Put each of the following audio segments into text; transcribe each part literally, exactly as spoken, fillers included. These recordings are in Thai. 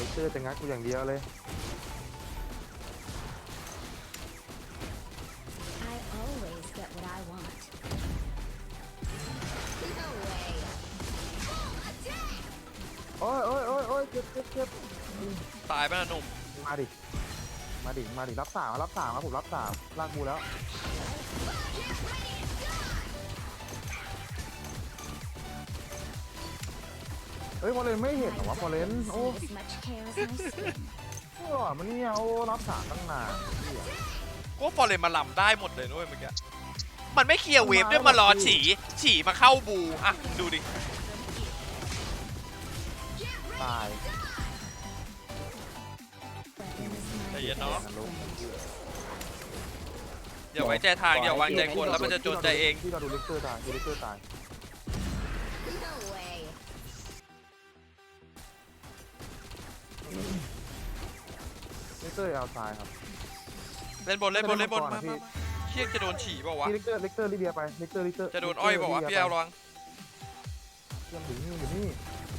เตอร์จะงัดกูอย่างเดียวเลย I always get what I want. No way. โอ้ยโอ้ยโอ้ยโอ้ยเจ็บเจ็บเจ็บตายไปนะหนุ่มมาดิมาดิมาดิรับสามรับสามครับผมรับสามลากกูแล้วเฮ้ยพอเลนไม่เห็นเหรอวะพอเลนโอ้ As much hair as my skin. โอ้มันเนี่ยโอ้รับสามตั้งนานเหี้ยกูว่าฟอร์เรนมาลำได้หมดเลยด้วยเมื่อกี้มันไม่เคลียร์เวฟด้วยมารอฉี่ฉี่มาเข้าบูอ่ะดูดิตายใจเย็นเนาะนรกอย่าไว้ใจทางอย่าวางใจคนแล้วมันจะจนใจเองที่เราดูเลกเตอร์ตายดูเลกเตอร์ตาย No way. เลกเตอร์เอาตายครับเล่นบนเล่นบนเล่นบนมามาเชี่ยจะโดนฉี่เปล่าวะพี่เลกเตอร์เลกเตอร์ลิเบียไปเลกเตอร์เลกเตอร์จะโดนอ้อยเปล่าวะพี่แอลระวังเรื่องถึงนี่อยู่นี่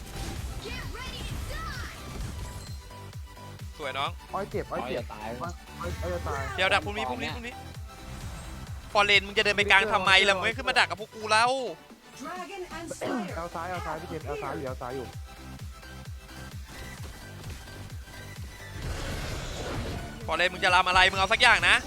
สวยน้องอ้อยเจ็บอ้อยเจ็บตายอ้อยอ้อยอ้อยจะตายเดี๋ยวดักพรุ่งนี้พรุ่งนี้พรุ่งนี้ฟอร์เรนมึงจะเดินไปกลางทำไมล่ะมึงไม่ขึ้นมาดักกับพวกกูแล้ว Dragon and Slayer. เอาซ้ายเอาซ้ายพี่เจนเอาซ้ายอยู่เอาซ้ายอยู่ฟอร์เรนมึงจะรำอะไรมึงเอาสักอย่างนะ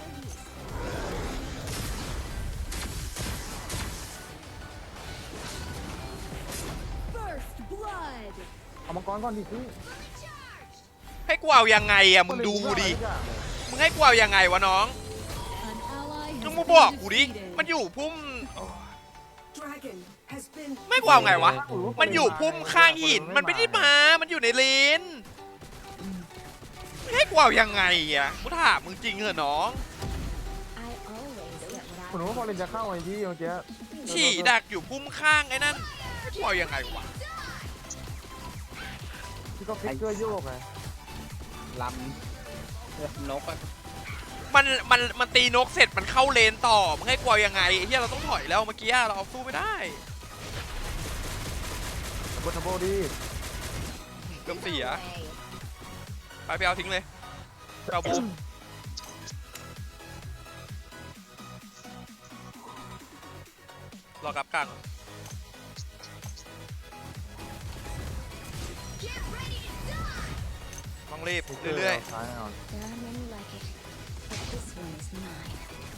First blood. เอามังกรก่อนดิพี่ให้กูเอายังไงอะมึงดูดิมึงให้กูเอายังไงวะน้อง An ally มึง has มา been บอกกูดิ defeated. มันอยู่พุ่ม Dragon has been ไม่กูเอาไงวะมันอยู่พุ่มข้างหินมันไม่ได้มามันอยู่ในเลนไม่ให้กูเอายังไงอะกูถามมึงจริงเหรอน้อง I always get what ผม I รู้ว่าพอ want. เลนจะเข้าไอ้ที่เมื่อกี้ฉี่ดักอยู่พุ่มข้างไอ้นั่นให้กูเอายังไงวะที่ก็ฟิกเกอร์โยกไงลำนกอะมันมันมันตีนกเสร็จมันเข้าเลนต่อมึงให้กูเอายังไงไอ้เหี้ยเราต้องถอยแล้วเมื่อกี้เราเอาสู้ไม่ได้บนทับโบดีเกือบเสีย No way. ไปไปเอาทิ้งเลยไปเอาบูมรอกลับกลางต้องรีบเรื่อยซ้ายแน่นอน There are many like it, but this one is mine.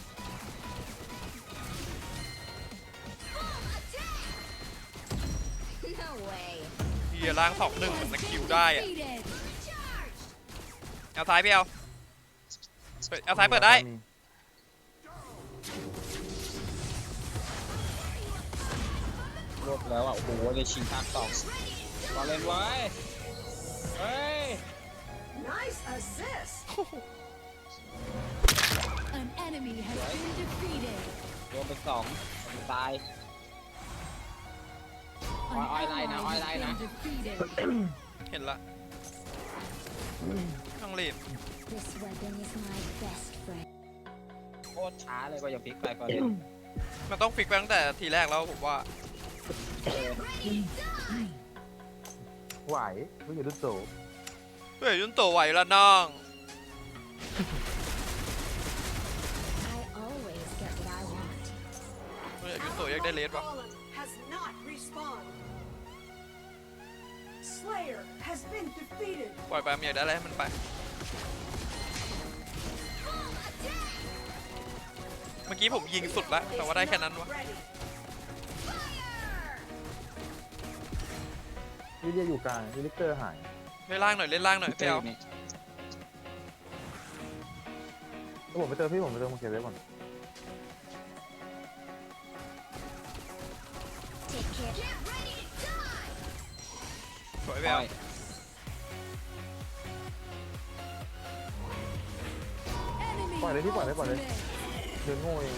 No way. ๆเฮียล้างสองหนึ่งมันคิวได้อะ Defeated. เอาซ้ายพี่เอาเปิดเอาซ้ายเปิดได้รวบแล้วอ่ะโอ้โหเลยชิงทางสองบอลเล่นไว้เฮ้ย nice assist. An enemy has been defeated. รวมเป็นสองตาย An Oi, oi, line ally now, oi, has line been now. defeated. เห็นละต้องรีบ This weapon is my best friend. โคตรช้าเลยก็อย่าพลิกไปก่อนเลยมันต้องฟิกไปตั้งแต่ทีแรกแล้วผมว่าเออไหวไม่อยู่ดุโตเฮ้ยยุนโตไหวแล้วน้อง I always get what I want. เฮ้ยยุนโตอยากได้เลสวะ Golem has not respawned. Slayer has been defeated. ปล่อยไปมันอยากได้อะไรให้มันไป เมื่อกี้ผมยิงสุดแล้วแต่ว่าได้แค่นั้นวะ Ready. ลิเดียอยู่กลางลิเตอร์หายเล่นล่างหน่อยเล่นล่างหน่อยพี่เอานี่แล้วผมไปเติมพี่ผมไปเติมโอเคไว้ก่อน Take care. สวยพี่เอา Enemy ปล่อยเลยพี่ปล่อยเลยปล่อยเลย ultimate. เดินโง่เอง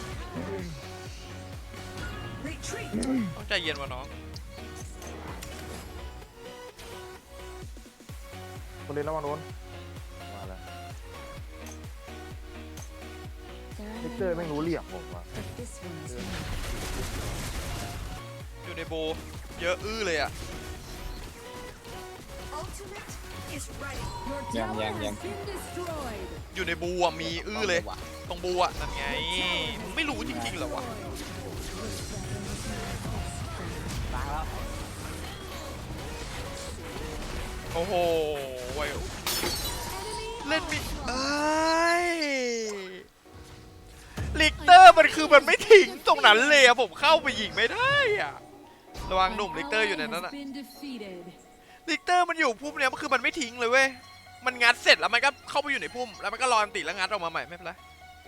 Retreat. ต้องใจเย็นวะน้องคนเล่นระวังโดนมาแล้ว There are ลิ many เตอร์ไม่ like รู้เหลี่ยมผมว่ะ it, but this one is mine. อยู่ในโบเยอะอื้อเลยอ่ะ Ultimate is ready. Your Yang, tower yang, has yang. been destroyed. อยู่ในบูอ่ะมีอื้อเลย ตรงบูอ่ะนั่นไงมึงไม่รู้จริงๆเหรอวะล้างแล้วโอ้โหไว้เล่นมิเอ้ยลิกเตอร์มันคือมันไม่ทิ้งตรงนั้นเลยอะผมเข้าไปยิงไม่ได้อะระวังหนุ่มลิกเตอร์อยู่ในนั้นอะ Been defeated. ลิกเตอร์มันอยู่พุ่มเนี้ยมันคือมันไม่ทิ้งเลยเว้ยมันงัดเสร็จแล้วมันก็เข้าไปอยู่ในพุ่มแล้วมันก็รออันติแล้วงัดออกมาใหม่ไม่เป็นไร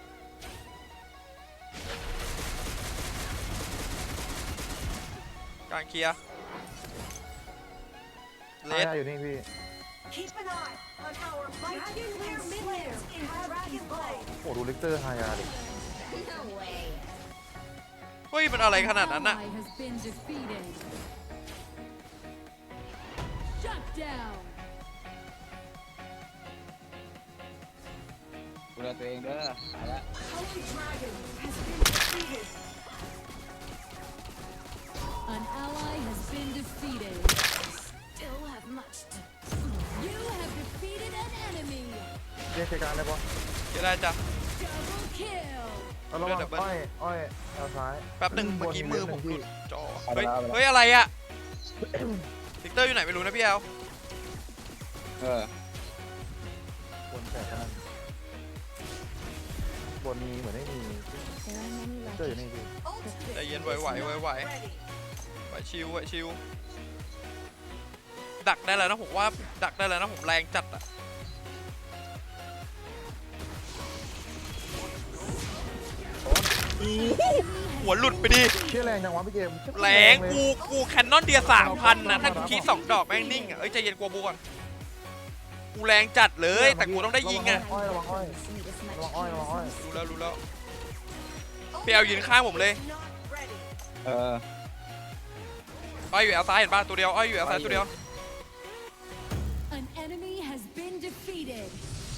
กลางเคลียร์เลอาสญาอยู่นี่พี่ Keep an eye on our mighty clear minions in Dragon Blade. โอ้ดูลิกเตอร์ฮายาดิ No way. เฮ้ยมันอะไรขนาดนั้นอะ Ally has been defeated. Shut down. ดูแลตัวเองเด้อหายแล้ว Holy Dragon has been defeated. An ally has been defeated. Still have much to. You have defeated an enemy. เรียกใช้การได้ปะเดี๋ยวได้จ้ะ Double kill. เอาระวังอ้อยอ้อยเอาซ้ายแป๊บหนึ่งเมื่อกี้มือผมหลุดจอเอาไปเฮ้ยแล้วเอาไปแล้วเฮ้ยอะไรอะลิกเตอร์อยู่ไหนไม่รู้นะพี่แอลเออบนแต่ขนาดบนมีเหมือนไม่มี There are many ลิกเตอร์อยู่นี่พี่ Ultimate ใจเย็นไหวไหวไหวไหว ready. ไหวชิวไหวชิวดักได้แล้วนะผมว่าดักได้แล้วนะผมแรงจัดอะหัวหลุดไปดิเชี่ยแรงจังวะพี่เกมแรงกูกูแคนนอนเดียสามพันนะถ้ากูคีสองดอกแม่งนิ่งอะเอ้ยใจเย็นกลัวบูก่อนกูแรงจัดเลยแต่กูต้องได้ยิงอะอ้อยระวังอ้อย ระวังอ้อยระวังอ้อยรู้แล้วรู้แล้วพี่แอลยืนข้างผมเลย Not ready. เอออ้อยอยู่แอลซ้ายเห็นป่ะตัวเดียวอ้อยอยู่แอลซ้ายตัวเดียว An enemy has been defeated.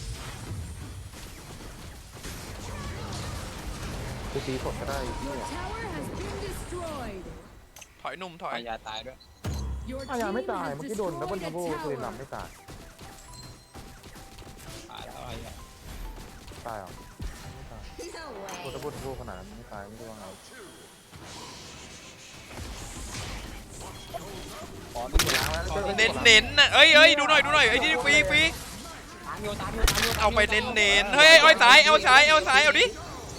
กูตีสดก็ได้พี่ Your tower has been destroyed. ถอยหนุ่มถอยอายาตายด้วย Your อายา team ไม่ตาย has เมื่อกี้โดนดับเบิล destroyed ทั a บเบิลปืนหลับ tower. ไม่ตายตายแล้วอายาตายเหรอไม่ตาย No โดนดับเบิลทับเบิลขนาดนั้นไม่ตายไม่รู้ว่าไงขอที่ล้างแล้วเน้นเน้นๆนะเอ้ยเอ้ยดูหน่อยดูหน่อยไอ้ที่ฟรีฟรีตามอยู่ตามอยู่ตามอยู่เอาไปเน้นเน้นๆเฮ้ยอ้อยซ้ายเอาซ้ายเอาซ้ายเอาดิ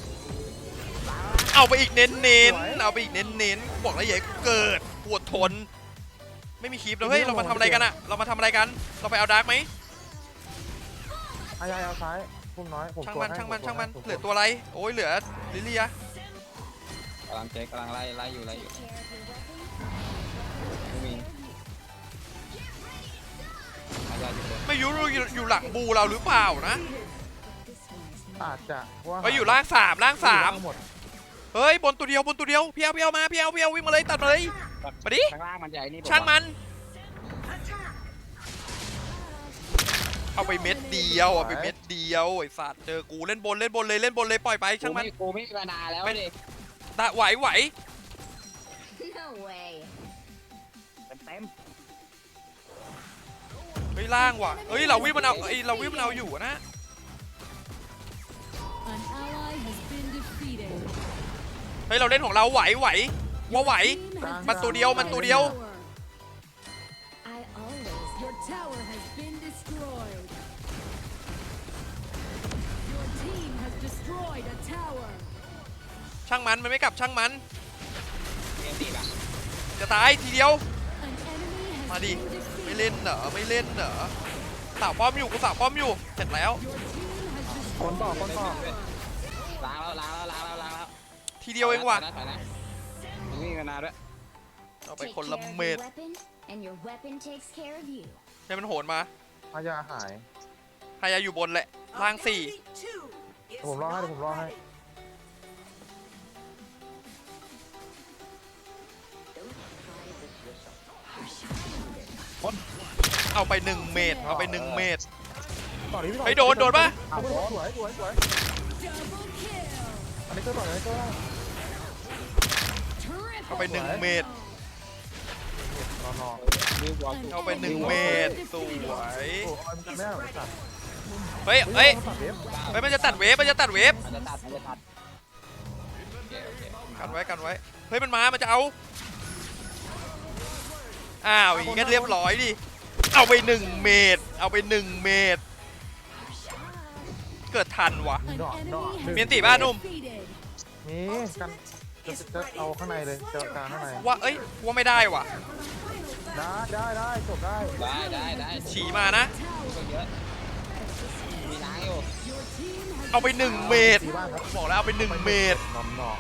เอาไปอีกเน้นเน้นๆเอาไปอีกเน้นเน้นๆบอกแล้วอย่าให้กูเกิดปวดทน ไม่มีคลิปแล้วเฮ้ยเรามาทำอะไรกันอะเรามาทำอะไรกันเราไปเอาดาร์กไหมอายาเอาซ้ายพุ่มน้อยผมช่างตัวมันให้ช่างมันผช่างมันผเหลือตัวอะไรโอ้ยเหลือลิเลียกำลังเจ๊กำลังไล่ไล่อยู่ไล่อยู่ Care of your weapon? ไม่มีอายาอยู่บนไม่รู้อยู่อยู่หลังบูเราหรือเปล่านะ This one is อาจจะว่าไปอยู่ล่างสามล่างสามหมดเฮ้ยบนตัวเดียวบนตัวเดียวพี่เอาพี่เอามาพี่เอาพี่เอาวิ่งมาเลยตัดมาเลยมาดิข้างล่างมันใหญ่นี่ช่างมัน Attack. เอาไปเม็ดเดียวเอาไปเม็ดเดียวไอ้สัตว์เจอกูเล่นบนเล่นบนเลยเล่นบนเลยปล่อยไปกูช่างมันไม่กูไม่มีเวลาแล้วดิตะไหวไหว No way. เต็มเต็มเฮ้ยล่างว่ะเฮ้ยเราวิ่งมันเอาไอ้เราวิ่งมันเอาอยู่นะ An ally has been defeated. เฮ้ยเราเล่นของเราไหวไหวว่าไหว Team has มันตัวเดียวมันตัวเดียว tower. I always. Your tower has been destroyed. Your team has destroyed a tower. ช่างมันมันไม่กลับช่างมันเกมตีป่ะจะตายทีเดียว An enemy has มาดิ been ไม่ defeated. เล่นเหรอไม่เล่นเหรอสาวป้อมอยู่กูสาวป้อมอยู่เสร็จแล้ว Your team has คนต่อ destroyed คนต่อล้างแล้วล้างแล้วล้างแล้วล้างแล้วทีเดียวเองว่ะถอยนะถอยนะมึงมีเวลาด้วยเอาไป Take คนละ care of เม็ your ด weapon, and your weapon takes care of you. ให้มันโหนมาอายาหายฮายาอยู่บนแหละล่างสี่ Ability two is ผมรอให้ not ผมรอให้ ready. เอาไปหนึ่งเมตรเอาไปหนึ่งเมตรต่อนี้พี่ต่อเฮ้ยโดนโดนปะเอาไปสวยสวยสวย double kill. อันนี้ก็ต่ออันนี้ก็ได้ Triple เอาไปหนึ่งเมตร kill. รออนนอรีบวอลเอาไปหนึ่งเมตรสวยโอ้ยมันไม่ได้หรอกสัตว์เฮ้ยเฮ้ยตัดเว็บเฮ้ยมันจะตัดเวฟมันจะตัดเวฟมันจะตัดมันจะตัดโอเคโอเคกันไว้กันไว้เฮ้ยมันมามันจะเอาอ้าวอย่างงี้ก็เรียบร้อยดิเอาไปหนึ่งเมตรเอาไปหนึ่งเมตรเกิดทันวะ An ดอกดอก enemy เมียน has ติบ้านุ่ม defeated. นี่กันจะจะเอาข้างในเลยเจอกลางข้างในว่าเอ้ยว่าไม่ได้ว่ะได้ได้ได้จบได้ได้ได้ได้ฉี่มานะก็เยอะมีล้างอยู่ Your team has เอาไปหนึ่งเมตรตีบ้านครับบอกแล้วเอาไปหนึ่งเมตรนอมนอ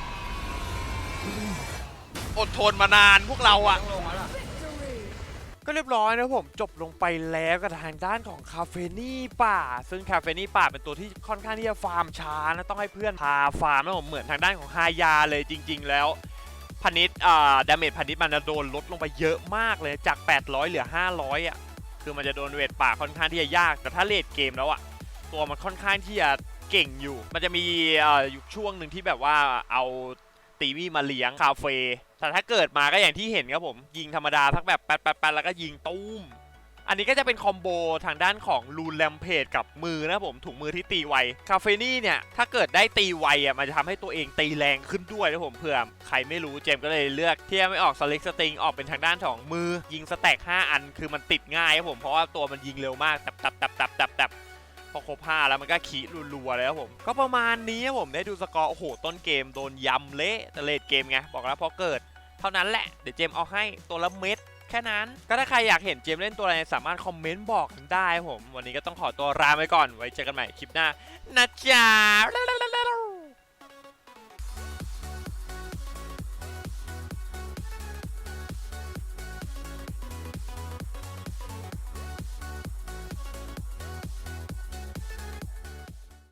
อดทนมานานพวกเราอ่ะต้องลงแล้วล่ะก็เรียบร้อยนะผมจบลงไปแล้วกับทางด้านของคาเฟนี่ป่า ซึ่งคาเฟนี่ป่าเป็นตัวที่ค่อนข้างที่จะฟาร์มช้านะต้องให้เพื่อนพาฟาร์มนะผมเหมือนทางด้านของฮายาเลยจริง ๆ แล้วพนิดอ่าดาเมจพนิดมันจะโดนลดลงไปเยอะมากเลยจากแปดร้อยเหลือห้าร้อยอ่ะคือมันจะโดนเวทป่าค่อนข้างที่จะยากแต่ถ้าเลดเกมแล้วอ่ะตัวมันค่อนข้างที่จะเก่งอยู่ มันจะมีอ่าอยู่ช่วงหนึ่งที่แบบว่าเอาตีวี่มาเลี้ยงคาเฟ่แต่ถ้าเกิดมาก็อย่างที่เห็นครับผมยิงธรรมดาทักแบบแป๊ดแป๊ดแป๊ดแล้วก็ยิงตุ้มอันนี้ก็จะเป็นคอมโบทางด้านของลูนแรมเพจกับมือนะผมถุงมือที่ตีไวคาเฟนี่เนี่ยถ้าเกิดได้ตีไวอ่ะมันจะทำให้ตัวเองตีแรงขึ้นด้วยนะผมเผื่อใครไม่รู้เจมส์ก็เลยเลือกที่จะไม่ออกสลิกสติงออกเป็นทางด้านของมือยิงสแต็กห้าอันคือมันติดง่ายครับผมเพราะว่าตัวมันยิงเร็วมากตับตับตับตับตับตับพอครบห้าแล้วมันก็ขีรัวๆเลยครับผมก็ประมาณนี้ครับผมได้ดูสกอร์โอ้โหต้นเกมโดนยำเละแต่เลดเกมไงบอกแล้วพอเกิดเท่านั้นแหละเดี๋ยวเจมเอาให้ตัวละเม็ดแค่นั้นก็ถ้าใครอยากเห็นเจมเล่นตัวอะไรสามารถคอมเมนต์บอกกันได้ครับผมวันนี้ก็ต้องขอตัวลาไปก่อนไว้เจอกันใหม่คลิปหน้านะจ๊ะ